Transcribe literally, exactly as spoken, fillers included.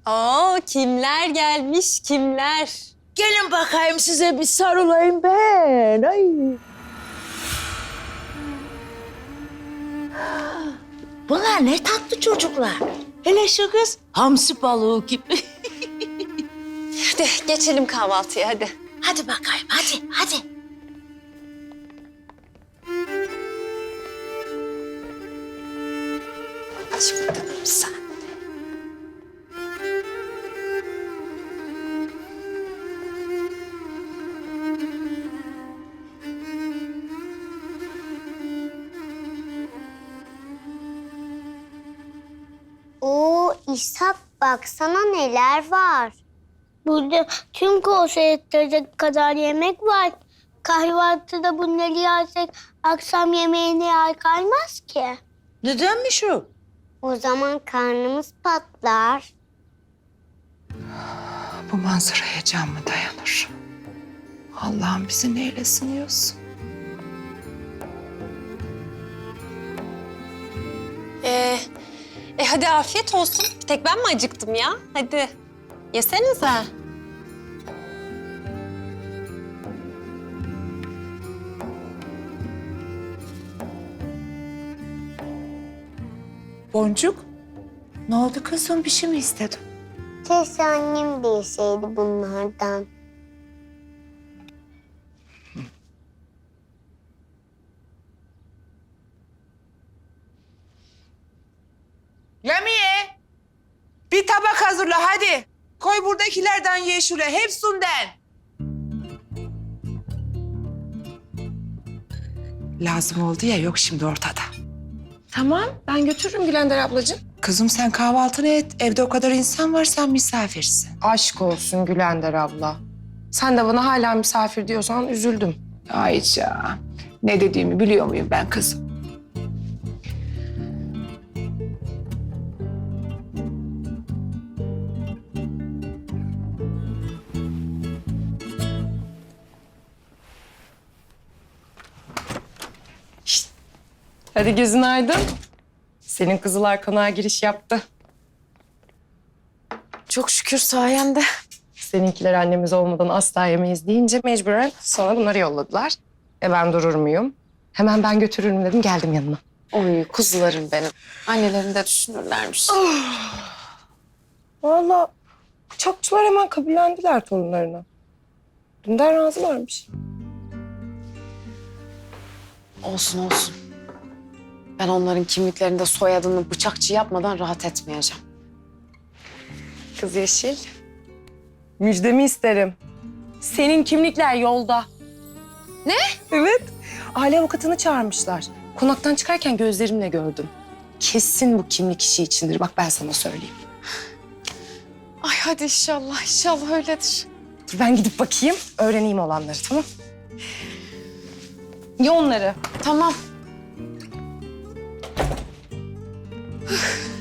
Oo, kimler gelmiş, kimler? Gelin bakayım size bir sarılayım ben. Ay. Bunlar ne tatlı çocuklar. Hele şu kız hamsi balığı gibi. Hadi geçelim kahvaltıya hadi. Hadi bakayım, hadi, hadi. Aç bakalım sen. Oo İshak baksana neler var. Burada tüm koğuşa yettirecek kadar yemek var. Kahvaltıda bunları yersek akşam yemeğine yer kalmaz ki. Nedenmiş o? O zaman karnımız patlar. Bu manzaraya can mı dayanır? Allah'ım bizi neyle sınıyorsun? Ee, e hadi afiyet olsun. Bir tek ben mi acıktım ya? Hadi yesenize. Boncuk, ne oldu kızım? Bir şey mi istedin? Keşke annem de yeseydi bunlardan. Lamiye, bir tabak hazırla hadi. Koy buradakilerden ye şuraya, hepsinden. Lazım oldu ya, yok şimdi ortada. Tamam, ben götürürüm Gülender ablacığım. Kızım sen kahvaltını et. Evde o kadar insan var, sen misafirsin. Aşk olsun Gülender abla. Sen de bana hala misafir diyorsan üzüldüm. Ayça, ne dediğimi biliyor muyum ben kızım? Hadi gözün aydın. Senin kızılar konağa giriş yaptı. Çok şükür sayende. Seninkiler annemiz olmadan asla yemeyiz deyince mecburen sonra bunları yolladılar. E ben durur muyum? Hemen ben götürürüm dedim, geldim yanına. Oy kuzularım benim. Annelerini de düşünürlermiş. Vallahi bıçakçılar hemen kabullendiler torunlarına. Dünden razılarmış. Olsun olsun. Ben onların kimliklerinde soyadını bıçakçı yapmadan rahat etmeyeceğim. Kız Yeşil, müjdemi isterim. Senin kimlikler yolda. Ne? Evet. Aile avukatını çağırmışlar. Konaktan çıkarken gözlerimle gördüm. Kesin bu kimlik işi içindir. Bak ben sana söyleyeyim. Ay hadi inşallah, inşallah öyledir. Dur ben gidip bakayım, öğreneyim olanları, tamam? Ye onları. Tamam.